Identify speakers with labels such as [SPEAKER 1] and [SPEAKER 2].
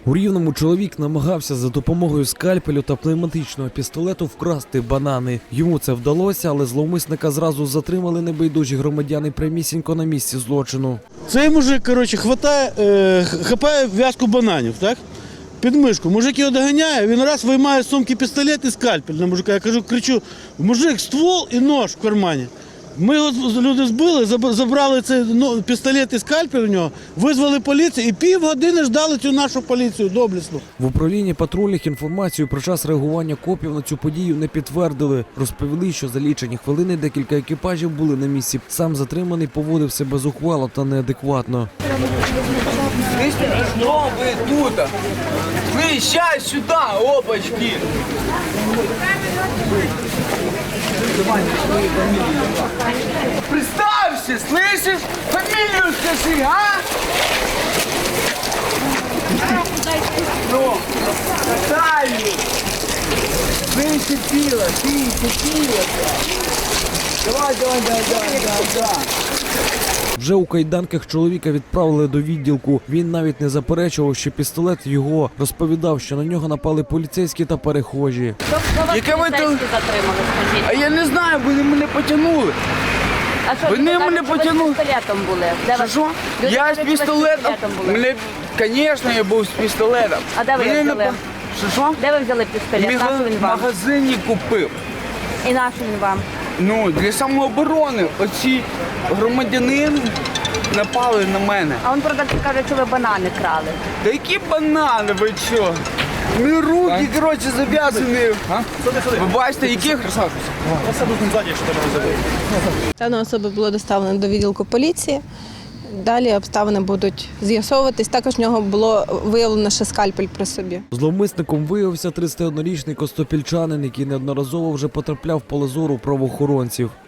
[SPEAKER 1] У Рівному чоловік намагався за допомогою скальпелю та пневматичного пістолету вкрасти банани. Йому це вдалося, але зловмисника зразу затримали небайдужі громадяни прямісінько на місці злочину.
[SPEAKER 2] Цей мужик, хапає в'язку бананів, так? Під мишку. Мужик його доганяє, він раз виймає з сумки пістолет і скальпель на мужика. Я кричу, мужик, ствол і нож в кармані. Ми його люди збили, забрали цей пістолет і скальпель у нього, визвали поліцію і півгодини ждали цю нашу поліцію доблесну.
[SPEAKER 1] В управлінні патрульних інформацію про час реагування копів на цю подію не підтвердили. Розповіли, що за лічені хвилини декілька екіпажів були на місці. Сам затриманий поводив себе зухвало та неадекватно.
[SPEAKER 3] Что вы тут? Вы сейчас сюда, опачки! Представься, слышишь? Фамилию скажи, а? Ну, Наталью! Меньше пила, пила. Давай.
[SPEAKER 1] Вже у кайданках чоловіка відправили до відділку. Він навіть не заперечував, що пістолет його. Розповідав, що на нього напали поліцейські та перехожі.
[SPEAKER 3] Яке ви
[SPEAKER 4] поліцейські затримали, скажіть?
[SPEAKER 3] А я не знаю, вони мене потягнули.
[SPEAKER 4] А що,
[SPEAKER 3] Вони
[SPEAKER 4] кажуть,
[SPEAKER 3] мене
[SPEAKER 4] що ви
[SPEAKER 3] потягнули.
[SPEAKER 4] з пістолетом були? Де ви-
[SPEAKER 3] Що?
[SPEAKER 4] Люди
[SPEAKER 3] Я
[SPEAKER 4] кажуть,
[SPEAKER 3] з
[SPEAKER 4] що ви
[SPEAKER 3] пістолетом.
[SPEAKER 4] були.
[SPEAKER 3] Мене, звісно, я був з пістолетом.
[SPEAKER 4] А де ви його взяли?
[SPEAKER 3] Що?
[SPEAKER 4] Де ви взяли пістолет? Нашу він
[SPEAKER 3] В
[SPEAKER 4] вам?
[SPEAKER 3] магазині купив.
[SPEAKER 4] І нашу він вам?
[SPEAKER 3] Ну, для самооборони. Оці громадянин напали на мене.
[SPEAKER 4] А він продавці каже, що ви банани крали.
[SPEAKER 3] Та які банани, ви що? Ми руки, коротше, зав'язані. Ви бачите, яких?
[SPEAKER 5] Дана особа була доставлена до відділку поліції. Далі обставини будуть з'ясовуватись. Також в нього було виявлено ще скальпель при собі.
[SPEAKER 1] Зловмисником виявився 31-річний костопільчанин, який неодноразово вже потрапляв в поле зору правоохоронців.